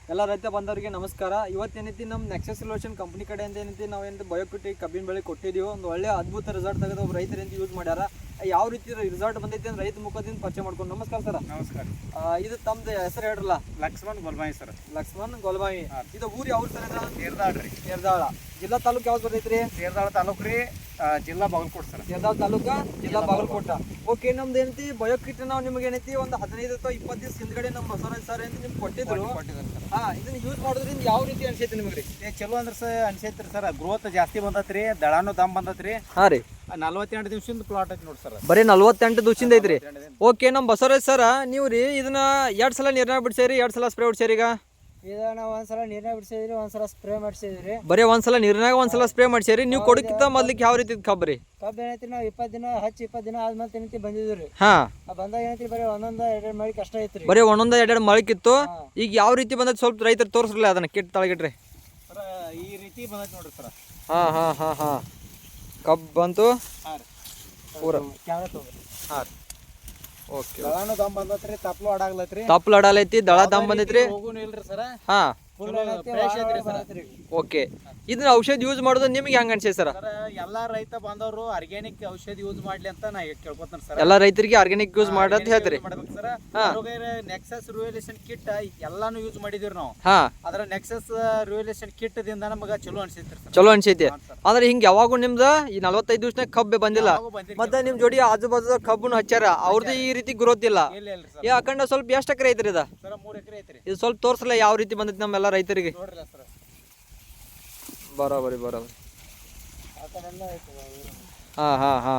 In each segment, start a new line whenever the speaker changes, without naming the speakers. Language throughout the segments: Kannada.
ಎಲ್ಲ ರೈತ ಬಂದವರಿಗೆ ನಮಸ್ಕಾರ. ಇವತ್ತೇನೈತಿ ನಮ್ಮ ನೆಕ್ಸಸ್ ಸೊಲ್ಯೂಷನ್ ಕಂಪ್ನಿ ಕಡೆಯಿಂದ ಏನೈತಿ ನಾವು ಏನಂತ ಬಯೋಕಿಟಿ ಕಬ್ಬಿನ ಬೆಳೆ ಕೊಟ್ಟಿದ್ದೀವಿ. ಒಂದು ಒಳ್ಳೆ ಅದ್ಭುತ ರಿಸಲ್ಟ್ ತೆಗೆದು ಒಬ್ಬ ರೈತರಿಂದ ಯೂಸ್ ಮಾಡ್ಯಾರ. ಯಾವ ರೀತಿ ರಿಸಲ್ಟ್ ಬಂದೈತಿ ಅಂದ್ರೆ ರೈತ ಮುಖದಿಂದ ಪರಿಚಯ ಮಾಡ್ಕೊಂಡು. ನಮಸ್ಕಾರ ಸರ್.
ನಮಸ್ಕಾರ.
ಇದು ತಮ್ಮದು ಹೆಸರು ಹೇಳ್ರಲ್ಲ?
ಲಕ್ಷ್ಮಣ್ ಗೋಲ್ಬಾಯಿ ಸರ್.
ಲಕ್ಷ್ಮಣ್ ಗೋಲ್ಬಾಯಿ. ಇದು ಊರು ಯಾವ ಸರ್?
ತೇರ್ದಾಳ್ ರೀ.
ತೇರ್ದಾಳ ಜಿಲ್ಲಾ ತಾಲೂಕು ಯಾವ್ದು ಬರ್ತೈತ್ರಿ?
ತೇರ್ದಾಳ ತಾಲೂಕು ರೀ, ಜಿಲ್ಲಾ ಬಾಗಲಕೋಟೆ ಸರ್.
ತೇರ್ದಾಳ ತಾಲೂಕ, ಜಿಲ್ಲಾ ಬಾಗಲಕೋಟ. ಓಕೆ, ನಮ್ದು ಏನೈತಿ ಬಯೋಕಿಟ್ ನಾವು ನಿಮ್ಗೆ ಏನೈತಿ ಒಂದು 15 ಅಥವಾ 20 ದಿವಸ ಹಿಂದ್ಗಡೆ ನಮ್ಮ ಬಸವರಾಜ್ ಸರ್ ಅಂತ ನಿಮ್ಗೆ ಕೊಟ್ಟಿದ್ರು. ಇದನ್ನ ಯೂಸ್ ಮಾಡೋದ್ರಿಂದ ಯಾವ ರೀತಿ ಅನ್ಸೈತಿ ನಿಮ್ಗೆ?
ಚಲೋ ಅಂದ್ರೆ ಸರ್ ಅನ್ಸೈತ್ರಿ ಸರ್. ಗ್ರೋತ್ ಜಾಸ್ತಿ ಬಂದತ್ರಿ, ದಳಾನು ದಮ್ ಬಂದತ್ರಿ.
ಹಾಂ ರೀ.
48 ದಿವಸದಿಂದ ಪ್ಲಾಟ್ ಐತಿ ನೋಡಿ ಸರ್.
ಬರೀ 48 ದಿವಸದಿಂದ ಐತ್ರಿ. ಓಕೆ, ನಮ್ಮ ಬಸವರಾಜ್ ಸರ ನೀವು ರೀ ಇದನ್ನ 2 ಸಲ ನೀರ್ನಾಗ ಬಿಡ್ಸೇರಿ, 2 ಸಲ ಸ್ಪ್ರೇ ಹೊಡ್ಸೇರಿ. ಈಗ
ನಾವು ಒಂದ್ಸಲ ನೀರ್ನಾಗ ಬಿಡ್ಸಿದ್ರಿ, ಒಂದ್ಸಲ ಸ್ಪ್ರೇ ಮಾಡಿಸಿದ್ರಿ.
ಬರೀ ಒಂದ್ಸಲ ನೀರ್ನಾಗ ಒಂದ್ಸಲ ಸ್ಪ್ರೇ ಮಾಡ್ಸೇರಿ. ನೀವು ಕೊಡಕ್ಕಿಂತ ಮೊದ್ಲಿಕ್ಕೆ ಯಾವ ರೀತಿ ಕಬ್ಬರಿ?
ಕಬ್ಬು ಏನೈತಿ ನಾವು 20 ದಿನ ಹಚ್ಚಿ 20 ದಿನ ಆದ್ಮೇಲೆ ಏನೈತಿ ಬಂದಿದ್ರಿ.
ಹಾ,
ಬಂದಾಗ ಏನೈತಿ ಬರೀ ಒಂದೊಂದು 2 ಮಳಿ ಕಷ್ಟ ಐತ್ರಿ.
ಬರೀ ಒಂದೊಂದು 2 ಮೊಳಕಿತ್ತು. ಈಗ ಯಾವ ರೀತಿ ಬಂದೈತಿ ಸ್ವಲ್ಪ ರೈತರು ತೋರಿಸ್ರಲ್ಲ ಅದನ್ನ ಕಿಟ್ ತಳಗಿಟ್ರಿ.
ಸರ್ ಈ ರೀತಿ ಬಂದೈತಿ ನೋಡ್ರಿ ಸರ್.
ಹಾ ಹಾ ಹಾ ಹಾ ಕಬ್ಬು ಬಂತು.
ಹಾಂ ರೀ,
ಪೂರ
ಕ್ಯಾಮ್ರಾ ತಗೋರಿ.
ಹಾಂ ರೀ. ಓಕೆ,
ದಳಾನು ದಮ್ ಬಂದತ್ರಿ, ತಪ್ಲು ಆಡಾಗ್ಲತ್ರಿ,
ತಪ್ಪಲು ಅಡಾಲೈತಿ, ದಳ ದಮ್ ಬಂದೈತ್ರಿ.
ಹೋಗುನು ಇಲ್ರಿ ಸರ್.
ಹಾ,
ಫ್ರೆಶ್ ಐತ್ರಿ ಸರ್.
ಓಕೆ. ಇದನ್ನ ಔಷಧ ಯೂಸ್ ಮಾಡೋದು ನಿಮ್ಗೆ ಹೆಂಗ ಅನ್ಸೈತಿ ಸರ್?
ಎಲ್ಲಾ ರೈತ ಬಂದವರು ಆರ್ಗ್ಯಾನಿಕ್ ಔಷಧ ಯೂಸ್ ಮಾಡ್ಲಿ ಅಂತ ನಾ ಕೇಳ್ಕೊತಾನೆ ಸರ್.
ಎಲ್ಲಾ ರೈತರಿಗೆ ಆರ್ಗ್ಯಾನಿಕ್ ಯೂಸ್ ಮಾಡಂತ ಹೇಳ್ತೀರಿ.
ಮಾಡ್ಬೇಕು ಸರ್. ನೆಕ್ಸಸ್ ರಿವಲ್ಯೂಷನ್ ಕಿಟ್ ಎಲ್ಲಾನು ಯೂಸ್ ಮಾಡಿದಿರಿ ನಾವು.
ಹಾ,
ಅದ್ರ ನೆಕ್ಸಸ್ ರಿವಲ್ಯೂಷನ್ ಕಿಟ್ ದಿಂದ ನಮಗ ಚಲೋ ಅನ್ಸೈತ್ರಿ ಸರ್.
ಚಲೋ ಅನ್ಸೈತಿ. ಅಂದ್ರೆ ಹಿಂಗ ಯಾವಾಗೂ ನಿಮ್ದ ಈ 45 ದಿವಸನಾಗ ಕಬ್ಬೆ ಬಂದಿಲ್ಲ. ಮತ್ತೆ ನಿಮ್ ಜೋಡಿ ಆಜು ಬಾಜು ಕಬ್ಬನ್ನು ಹಚ್ಚಾರ, ಅವ್ರದ್ದು ಈ ರೀತಿ ಗ್ರೋತ್ ಇಲ್ಲ. ಈ ಅಖಂಡ ಸ್ವಲ್ಪ ಎಷ್ಟು ಎಕರೆ ಐತ್ರಿ ಇದ?
ಸರ್ 3 ಎಕರೆ ಐತ್ರಿ.
ಇದು ಸ್ವಲ್ಪ ತೋರ್ಸಲ್ಲ ಯಾವ ರೀತಿ ಬಂದೈತಿ ನಮ್ಮೆಲ್ಲ ರೈತರಿಗೆ.
ನೋಡ್ರಲ್ಲ ಸರ್.
ಬರೋಬರಿ.
ಆ ಕಡೆ ಎಲ್ಲ ಐತಿ.
ಹಾ ಹಾ ಹಾ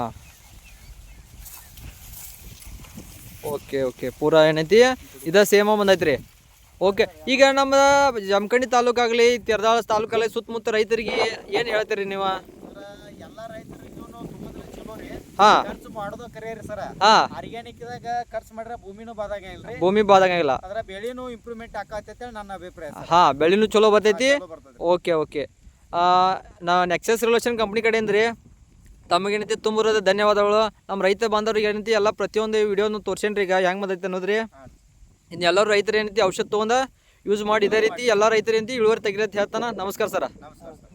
ಓಕೆ. ಪೂರಾ ಏನೈತಿ ಇದ ಸೇಮ ಬಂದೈತ್ರಿ. ಓಕೆ, ಈಗ ನಮ್ಮ ಜಮಖಂಡಿ ತಾಲೂಕಾಗ್ಲಿ ತೇರದಾಳ ತಾಲೂಕಲ್ಲಿ ಸುತ್ತಮುತ್ತ ರೈತರಿಗೆ ಏನ್ ಹೇಳ್ತೀರಿ ನೀವು?
ಎಲ್ಲಾ ರೈತರಿಗೂ ತುಂಬಾ ಚಲೋ ರೀ.
ಹಾ,
ಖರ್ಚು ಮಾಡೋದು ಕರೆಯರಿ ಸರ್.
ಹಾ,
ಆರ್ಗ್ಯಾನಿಕ್ ದಾಗ ಖರ್ಚು ಮಾಡ್ರೆ ಭೂಮಿನೂ ಬಾದಾಗ ಇಲ್ರಿ,
ಭೂಮಿ ಬಾದಂಗಿಲ್ಲ.
ಅದ್ರ ಬೆಳೆನೂ ಇಂಪ್ರೂವ್ಮೆಂಟ್ ಆಕತೈತೆ ನನ್ನ ಅಭಿಪ್ರಾಯ ಸರ್.
ಹಾ, ಬೆಳೆನೂ ಚಲೋ ಬರ್ತೈತಿ.
ಚಲೋ ಬರ್ತೈತಿ.
ಓಕೆ. ನಾ ನೆಕ್ಸಸ್ ರಿಲೇಷನ್ ಕಂಪ್ನಿ ಕಡೆಯಿಂದ ರೀ ತಮಗೇನೈತಿ ತುಂಬ ಧನ್ಯವಾದಗಳು. ನಮ್ಮ ರೈತ ಬಾಂಧವ್ರಿಗೆ ಏನೈತಿ ಎಲ್ಲ ಪ್ರತಿಯೊಂದು ವಿಡಿಯೋನು ತೋರ್ಸೇನ್ರಿ. ಈಗ ಹೆಂಗೆ ಬಂದೈತೆ ಅನ್ನೋದ್ರಿ. ಇನ್ನು ಎಲ್ಲರೂ ರೈತರು ಏನೈತಿ ಔಷಧ ತೊಗೊಂಡ ಯೂಸ್ ಮಾಡಿ ಇದೇ ರೀತಿ ಎಲ್ಲ ರೈತರು ಏನೈತಿ ಇಳುವರಿ ತೆಗಿರತ್ತೆ ಹೇಳ್ತಾನೆ. ನಮಸ್ಕಾರ ಸರ್.
ನಮಸ್ಕಾರ ಸರ್.